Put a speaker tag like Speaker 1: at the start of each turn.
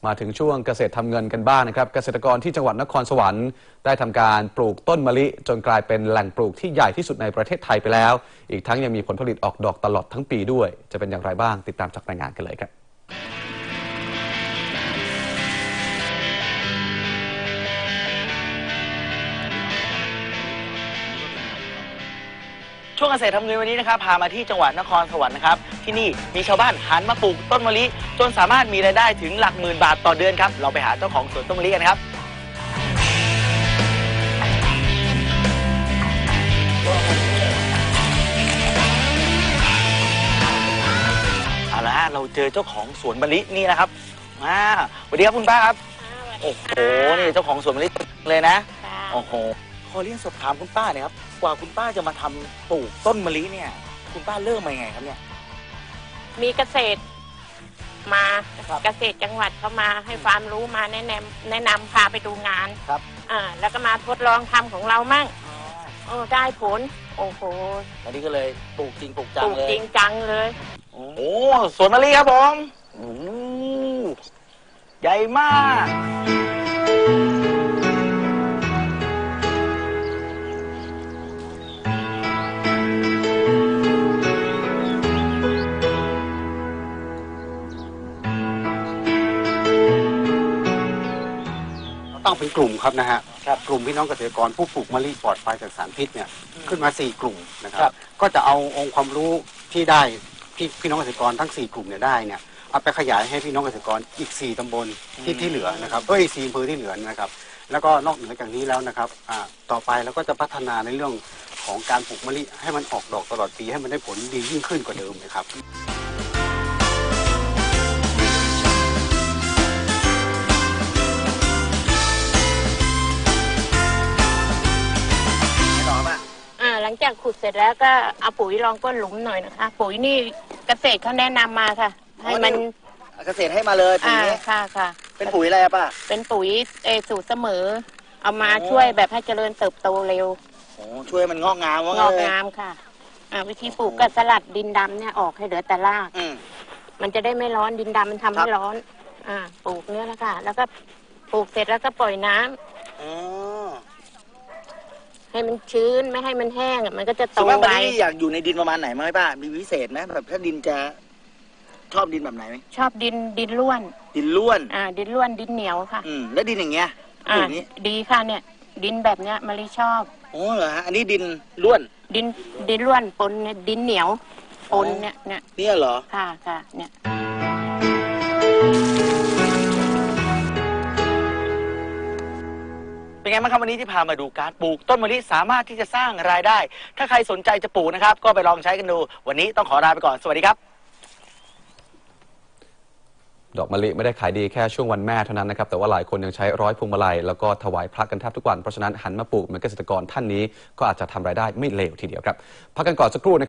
Speaker 1: มาถึงช่วงเกษตรทำเงินกันบ้างนะครับเกษตรกรที่จังหวัดนครสวรรค์ได้ทำการปลูกต้นมะลิจนกลายเป็นแหล่งปลูกที่ใหญ่ที่สุดในประเทศไทยไปแล้วอีกทั้งยังมีผลผลิตออกดอกตลอดทั้งปีด้วยจะเป็นอย่างไรบ้างติดตามจากรายงานกันเลยครับ
Speaker 2: ช่วงเกษตรทำเงินวันนี้นะครับพามาที่จังหวัดนครสวรรค์นะครับที่นี่มีชาวบ้านหันมาปลูกต้นมะลิจนสามารถมีรายได้ถึงหลักหมื่นบาทต่อเดือนครับเราไปหาเจ้าของสวนต้นมะลิกันครับเอาละเราเจอเจ้าของสวนมะลินี่นะครับสวัสดีครับคุณป้าครับโอ้โหนี่เจ้าของสวนมะลิเลยนะโอ้โหขอเรียนสอบถามคุณป้าเนี่ยครับกว่าคุณป้าจะมาทำปลูกต้นมะลิเนี่ยคุณป้าเริ่มมายังไงครับเนี่ย
Speaker 3: มีเกษตรมาเกษตรจังหวัดเขามาให้ความรู้มาแนะนำพาไปดูงาน
Speaker 2: ครับ
Speaker 3: แล้วก็มาทดลองทำของเรามั่งได้ผลโอ้โห
Speaker 2: ตอนนี้ก็เลยปลูกจริงปลูกจังเลย
Speaker 3: ปลูกจริงจังเลย
Speaker 2: โอ้สวนมะลิครับผมโอ้ใหญ่มาก
Speaker 4: ตั้งเป็นกลุ่มครับนะฮะกลุ่มพี่น้องเกษตรกรผู้ปลูกมะลิปลอดภัยจากสารพิษเนี่ยขึ้นมา4กลุ่มนะครับก็จะเอาองค์ความรู้ที่ได้พี่น้องเกษตรกรทั้ง4กลุ่มเนี่ยได้เนี่ยเอาไปขยายให้พี่น้องเกษตรกรอีก4ตำบลที่เหลือนะครับอีก4อำเภอที่เหลือนะครับแล้วก็นอกเหนือจากนี้แล้วนะครับต่อไปเราก็จะพัฒนาในเรื่องของการปลูกมะลิให้มันออกดอกตลอดปีให้มันได้ผลดียิ่งขึ้นกว่าเดิมนะครับ
Speaker 3: หลังจากขุดเสร็จแล้วก็เอาปุ๋ยรองก้นหลุมหน่อยนะคะปุ๋ยนี่เกษตรเขาแนะนำมาค่ะให้มัน
Speaker 2: เกษตรให้มาเลยปุ๋ยนี้
Speaker 3: ค่ะ
Speaker 2: เป็นปุ๋ยอะไรป่ะ
Speaker 3: เป็นปุ๋ยสูตรเสมอเอามาช่วยแบบให้เจริญเติบโตเร็ว
Speaker 2: ช่วยมันงอกงาม
Speaker 3: ค่ะวิธีปลูกก็สลัดดินดำเนี่ยออกให้เหลือแต่รากมันจะได้ไม่ร้อนดินดำมันทำให้ร้อนปลูกเนี้ยแล้วค่ะแล้วก็ปลูกเสร็จแล้วก็ปล่อยน้ำให้มันชื้นไม่ให้มันแห้งมันก็จะโตไว
Speaker 2: อยากอยู่ในดินประมาณไหนไหมป้ามีพิเศษไหมแบบถ้าดินจะชอบดินแบบไหนไหม
Speaker 3: ชอบดินล้วน
Speaker 2: ดินล้วน
Speaker 3: ดินล้วนดินเหนียวค่ะ
Speaker 2: แล้วดินอย่างเงี้ย
Speaker 3: ดีค่ะเนี่ยดินแบบเนี้ยมะลิชอบ
Speaker 2: โอ้เหรอฮะอันนี้ดินล้วน
Speaker 3: ดินล้วนปนดินเหนียวปน
Speaker 2: เนี่ยเหรอ
Speaker 3: ค่ะเนี่ย
Speaker 2: เป็นไงบ้างครับวันนี้ที่พามาดูการปลูกต้นมะลิสามารถที่จะสร้างรายได้ถ้าใครสนใจจะปลูกนะครับก็ไปลองใช้กันดูวันนี้ต้องขอลาไปก่อนสวัสดีครับ
Speaker 1: ดอกมะลิไม่ได้ขายดีแค่ช่วงวันแม่เท่านั้นนะครับแต่ว่าหลายคนยังใช้ร้อยพวงมาลัยแล้วก็ถวายพระกันแทบทุกวันเพราะฉะนั้นหันมาปลูกเหมือนเกษตรกรท่านนี้ก็อาจจะทำรายได้ไม่เลวทีเดียวครับพักกันก่อนสักครู่